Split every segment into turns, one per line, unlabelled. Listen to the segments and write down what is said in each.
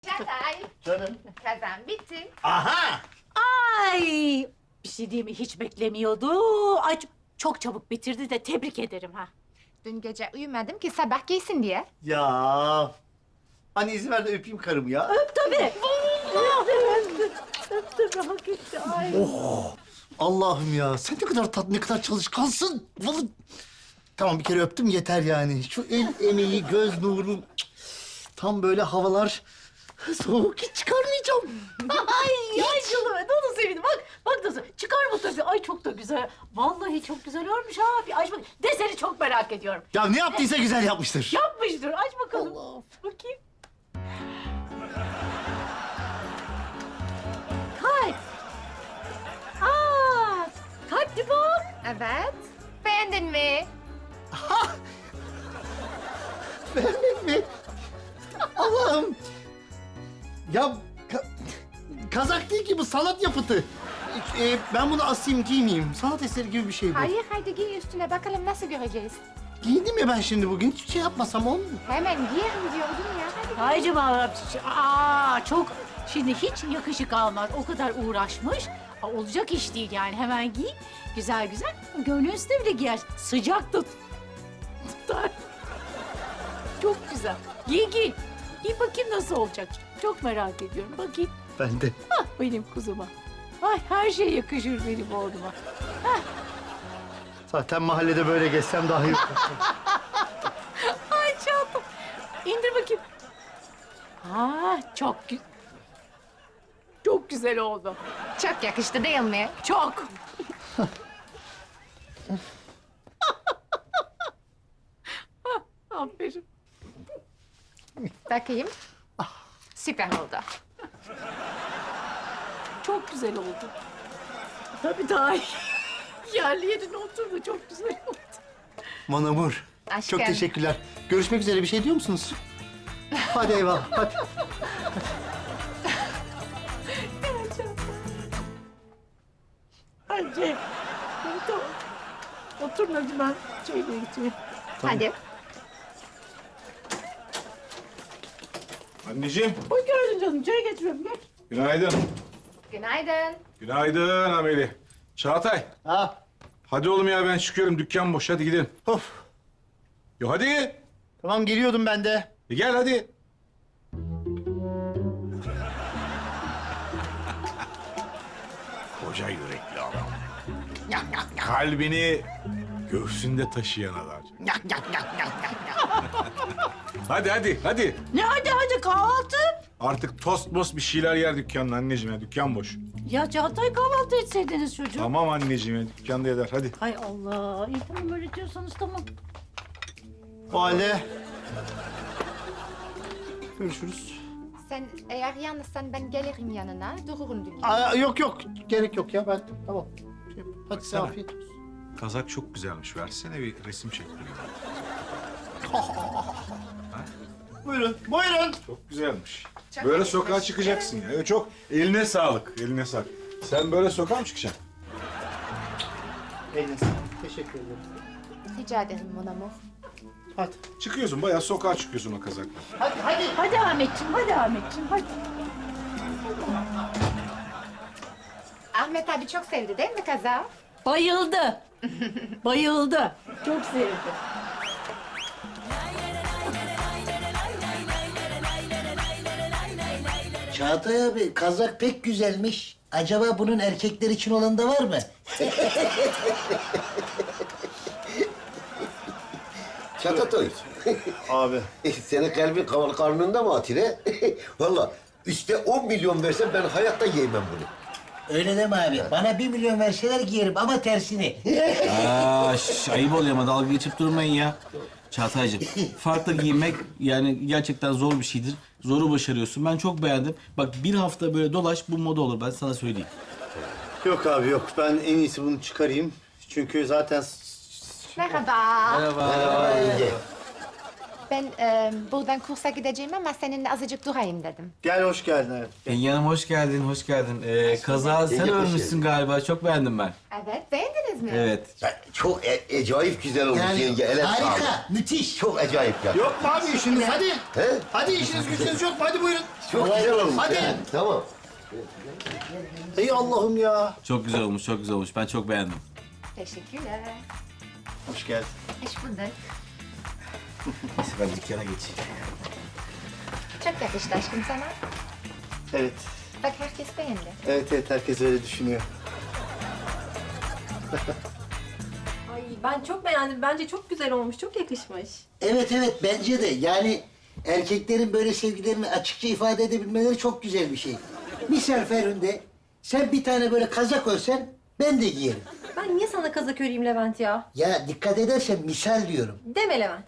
Çağatay,
Canım.
kazan bitti.
Aha!
Ay, bir şey değil mi? Hiç beklemiyordu. Ay, çok çabuk bitirdi de tebrik ederim ha.
Dün gece uyumadım ki sabah giysin diye.
Ya. Hani izin ver de öpeyim karımı ya.
Öp tabii. Öptüm, hak etti. Ay.
Allah'ım ya. Sen ne kadar tatlı, ne kadar çalışkansın. Vallahi... Tamam bir kere öptüm yeter yani. Şu el emeği, göz nuru. Tam böyle havalar soğuk hiç çıkarmayacağım.
Ay canım, nasıl sevindim. Bak nasıl. Çıkar mı tabii? Ay çok da güzel. Vallahi çok güzel olmuş ha. Bir aç bak. Deseni çok merak ediyorum.
Ya ne yaptıysa güzel yapmıştır.
Yapmıştır. Aç bakalım.
Allah.
Bakayım. Kalp. Aa, kalpli bak.
Evet. Beğendin mi?
Beğenmek mi? Allah'ım. Ya kazak değil ki bu, sanat yapıtı. Ben bunu asayım giymeyeyim. Sanat eseri gibi bir şey bu.
Hayır, haydi giy üstüne bakalım nasıl göreceğiz.
Giyindim ya ben şimdi bugün. Hiçbir şey yapmasam olmuyor mu?
Hemen giyerim diyordum ya. Hadi.
Haycım çok şimdi hiç yakışık almaz. O kadar uğraşmış. Olacak iş değil yani. Hemen giy. Güzel güzel. Gönlün üstüne bile giyer. Sıcak tutar. Çok güzel. Giy giy. Giy bakayım nasıl olacak. Çok merak ediyorum. Bakayım.
Ben de.
Ah benim kuzuma. Ay her şey yakışır benim oğluma.
Zaten mahallede böyle gezsem daha iyi.
Ay çantam. İndir bakayım. Çok güzel oldu.
Çok yakıştı değil mi?
Çok. Aferin.
Bakayım. Süper oldu.
Çok güzel oldu. Tabii daha iyi. Yerli yerine oturdu. Çok güzel oldu.
Mon amour.
Aşkım.
Çok teşekkürler. Görüşmek üzere. Bir şey diyor musunuz? Hadi eyvallah. Hadi.
Hadi. Tamam. Oturun hadi ben şeyle gideyim.
Hadi.
Anneciğim,
Hoş geldin canım. Çay getiriyorum. Gel.
günaydın.
Günaydın.
Günaydın Ameli. Çağatay,
Ha.
hadi oğlum ya ben çıkıyorum. Dükkan boş, hadi gidelim.
Of.
Ya hadi.
Tamam geliyordum ben de.
Gel hadi. Koca yürekli adam. Kalbini göğsünde taşıyan adam. Hadi.
Ne hadi kahvaltı.
Artık tost most bir şeyler yer dükkanın anneciğim ya. Dükkan boş.
Ya Çağatay kahvaltı etseydiniz çocuğum.
Tamam anneciğim ya. Dükkanda eder. Hadi.
Hay Allah. İyi tamam öyle diyorsanız tamam.
O halde. Görüşürüz.
Sen eğer yalnızsan ben gelirim yanına. Dururum dünya.
Yok. Gerek yok ya. Ben tamam. Hadi size
Baksana.
afiyet olsun.
Kazak çok güzelmiş. Versene bir resim çektireyim.
Buyurun.
Çok güzelmiş. Böyle sokağa çıkacaksın ya. Çok eline sağlık, eline sağlık. Sen böyle sokağa mı çıkacaksın?
Eline sağlık. Teşekkür ederim.
Rica ederim mon amour.
Hadi.
Çıkıyorsun, bayağı sokağa çıkıyorsun o kazakla.
Hadi.
Hadi Ahmetciğim, hadi.
Ahmet abi çok sevdi değil mi kaza?
Bayıldı. Bayıldı. Çok sevdi.
Çağatay abi kazak pek güzelmiş. Acaba bunun erkekler için olan da var mı?
Çatatoy.
Abi.
Senin kalbin karnında mı Atire? Valla üstte 10 milyon versen ben hayatta yiyemem bunu.
Öyle deme abi. Bana 1 milyon verseler giyerim ama tersini.
Ayıp oluyor ama dalga geçip durmayın ya. Çağatay'cığım, farklı giyinmek yani gerçekten zor bir şeydir. Zoru başarıyorsun. Ben çok beğendim. Bak bir hafta böyle dolaş bu moda olur ben sana söyleyeyim.
Yok abi yok. Ben en iyisi bunu çıkarayım. Çünkü zaten...
Merhaba.
Merhaba yenge.
Ben buradan kursa gideceğim ama seninle azıcık durayım dedim.
Gel hoş geldin hayatım.
Engin Hanım hoş geldin, hoş geldin. Kaza sen
Yenge, hoş
örmüşsün galiba. Çok beğendim ben.
Evet, beğendiniz mi?
Evet.
Çok acayip güzel olmuş
Yani
yenge. Ele sağlık.
harika, müthiş.
Çok acayip ya.
Yok mu abi işiniz? Hadi.
He?
Hadi işiniz gücünüz yok mu? Hadi buyurun.
Çok güzel olmuş.
Hadi.
he. Tamam.
Ey Allah'ım ya.
Çok güzel olmuş, çok güzel olmuş. Ben çok beğendim.
Teşekkürler.
Hoş geldin.
Hoş bulduk.
Neyse ben dükkana geçeyim.
Çok yakıştı aşkım sana.
Evet.
Bak herkes beğendi.
Evet herkes öyle düşünüyor.
Ay ben çok beğendim. Bence çok güzel olmuş. Çok yakışmış.
Evet bence de. Yani erkeklerin böyle sevgilerini açıkça ifade edebilmeleri çok güzel bir şey. Misal Ferhunde, sen bir tane böyle kazak örsen ben de giyerim.
Ben niye sana kazak öreyim Levent ya?
Ya dikkat edersen misal diyorum.
Deme Levent.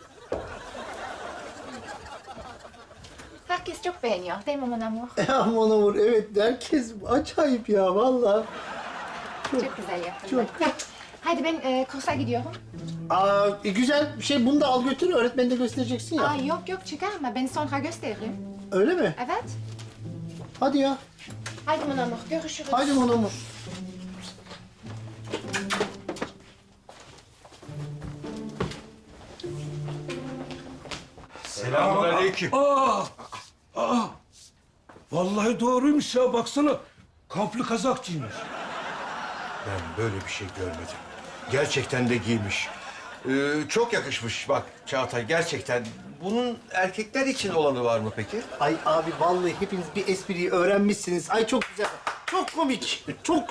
Herkes çok beğeniyor değil mi mon amour?
Aman Amur evet herkes acayip ya vallahi.
Çok güzel yaptın. Çok. Hadi ben kursa gidiyorum.
Güzel bir şey bunu da al götür öğretmeni de göstereceksin ya.
Aa, yok çıkarma. Ben sonra gösteririm.
Öyle mi?
Evet.
Hadi ya.
Hadi mon amour, görüşürüz.
Hadi Mon Amur.
Selamünaleyküm.
Vallahi doğruymuş ya baksana. Kaplı kazak giymiş.
Ben böyle bir şey görmedim. Gerçekten de giymiş. Çok yakışmış bak Çağatay gerçekten. Bunun erkekler için olanı var mı peki?
Ay abi vallahi hepiniz bir espriyi öğrenmişsiniz. Ay çok güzel. Çok komik. Çok.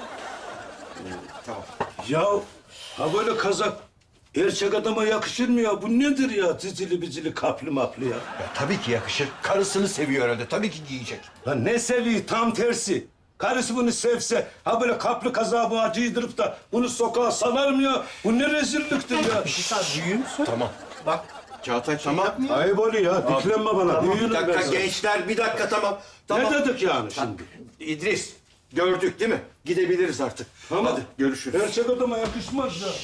Ya ha böyle kazak erkek adama yakışır mı ya? Bu nedir ya? Dizili bizili kaplı maplı ya.
Ya tabii ki yakışır. Karısını seviyor herhalde. Tabii ki giyecek.
Lan ne seviyor tam tersi. Karısı bunu sevse ha böyle kaplı kazağı bu giydirip da bunu sokağa salar mı ya? Bu ne rezilliktir ya?
Büyüğüm
Tamam.
Bak.
Çağatay tamam.
Ayıp oluyor ya. Diklenme bana.
Bir
Büyüğünü
dakika
ben sana.
gençler bir dakika tamam. Tamam.
Ne dedik yani şimdi?
İdris gördük değil mi? Gidebiliriz artık.
Tamam.
Hadi görüşürüz.
Erkek adama yakışmaz ya.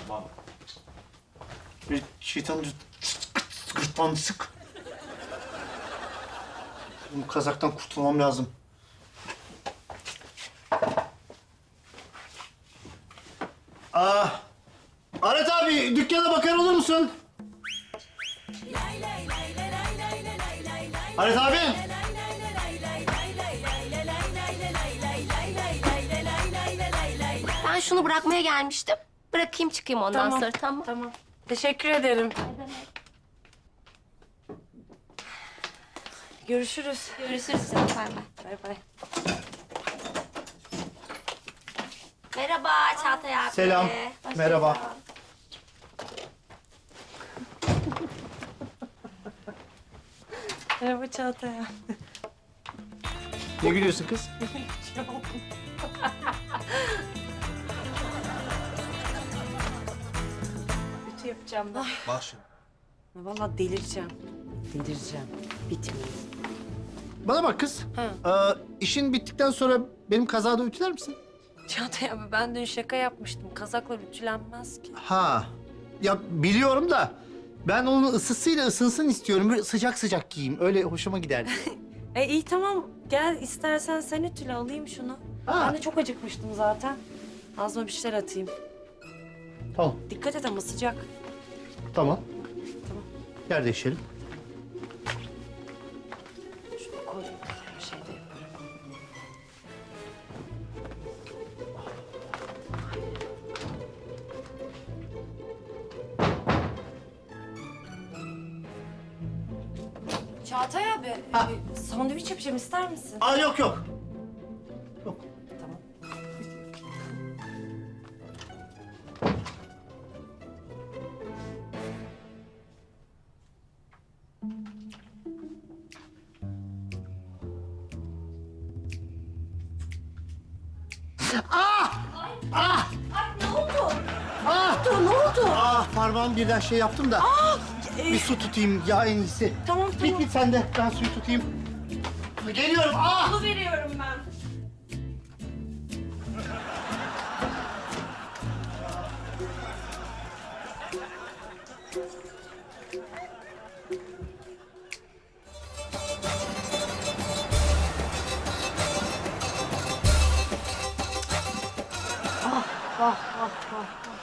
Bir şeytanı gırtlağını sık. Bu kazaktan kurtulmam lazım. Aret abi dükkana bakar olur musun? Aret abi.
Ben şunu bırakmaya gelmiştim. Bırakayım çıkayım ondan sonra tamam.
Tamam. Teşekkür ederim. Görüşürüz.
Görüşürüz canım. Bay bay.
Bay bay.
Merhaba Çağatay abi.
Selam.
Hoş
Merhaba.
geldin.
Merhaba Çağatay.
Ne gülüyorsun kız?
Ütü yapacağım ben.
Bak şimdi.
Vallahi delireceğim. Delireceğim. Bitmiyor.
Bana bak kız. İşin bittikten sonra benim kazada ütüler misin?
Çağatay abi ben dün şaka yapmıştım. Kazaklar ütülenmez ki.
Ha. Ya biliyorum da ben onun ısısıyla ısınsın istiyorum. Böyle sıcak sıcak giyeyim. Öyle hoşuma gider.
İyi tamam. Gel istersen sen ütüle alayım şunu.
Ha.
Ben de çok acıkmıştım zaten. Ağzıma bir şeyler atayım.
Tamam.
Dikkat et ama sıcak.
Tamam.
Tamam.
Yer değişelim.
Şunu koyayım. Bir şey de yaparım. Çağatay abi, sandviç yapacağım ister misin?
Yok. Yok.
Tamam.
Parmağım birden şey yaptım da. Bir su tutayım ya en iyisi.
Tamam.
Git sen de. Ben suyu tutayım. Geliyorum.
Su veriyorum ben.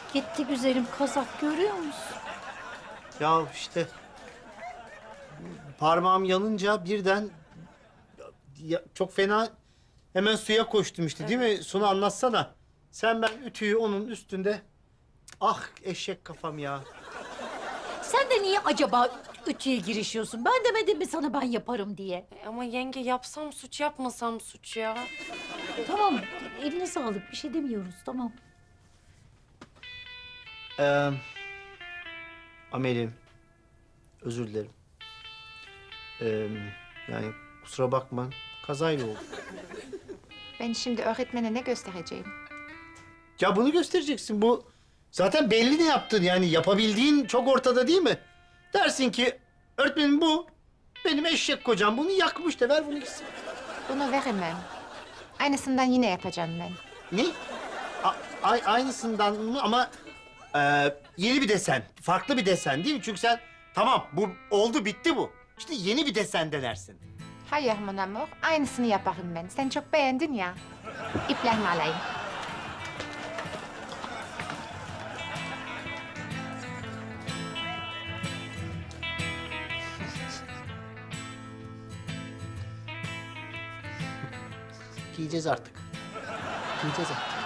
Gitti güzelim kazak görüyor musun?
Ya işte parmağım yanınca birden çok fena hemen suya koştum işte değil mi? Sunu anlatsana. Sen ben ütüyü onun üstünde. Ah eşek kafam ya.
Sen de niye acaba ütüye girişiyorsun? Ben demedim mi sana ben yaparım diye?
Ama yenge yapsam suç yapmasam suç ya.
Tamam eline sağlık bir şey demiyoruz tamam.
Amel'im özür dilerim. Yani kusura bakma kazayla oldu.
Ben şimdi öğretmene ne göstereceğim?
Ya bunu göstereceksin. Bu zaten belli ne yaptın yani yapabildiğin çok ortada değil mi? Dersin ki öğretmenim bu benim eşek kocam bunu yakmış da ver bunu gitsin.
Bunu veremem. Aynısından yine yapacağım ben.
Ne? Aynısından mı ama yeni bir desen, farklı bir desen değil mi? Çünkü sen tamam bu oldu bitti bu. İşte yeni bir desen denersin.
Hayır mon amour, aynısını yaparım ben. Sen çok beğendin ya. İplerimi alayım.
Giyeceğiz artık. Giyeceğiz artık.